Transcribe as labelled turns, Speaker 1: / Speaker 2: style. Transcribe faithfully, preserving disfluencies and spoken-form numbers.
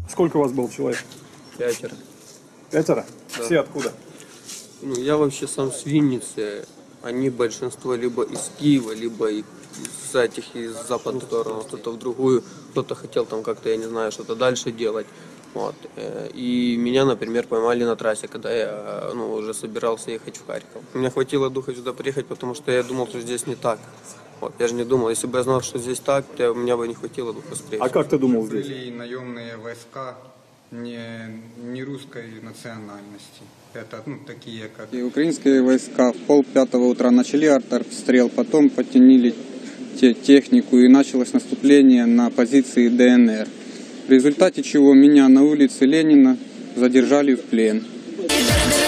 Speaker 1: Сколько у вас было человек?
Speaker 2: Пятеро.
Speaker 1: Пятеро?
Speaker 2: Да.
Speaker 1: Все откуда?
Speaker 2: Ну, я вообще сам с Винницы. Они большинство либо из Киева, либо из этих, из западных сторон, кто-то в другую, кто-то хотел там как-то, я не знаю, что-то дальше делать. Вот. И меня, например, поймали на трассе, когда я ну, уже собирался ехать в Харьков. Мне хватило духа сюда приехать, потому что я думал, что здесь не так. Вот. Я же не думал, если бы я знал, что здесь так, то у меня бы не хватило духа встречи.
Speaker 1: А как ты думал здесь?
Speaker 3: Были наемные войска не, не русской национальности. Это ну, такие как...
Speaker 4: И украинские войска в пол пятого утра начали артобстрел, потом подтянили те, технику и началось наступление на позиции ДНР. В результате чего меня на улице Ленина задержали в плен.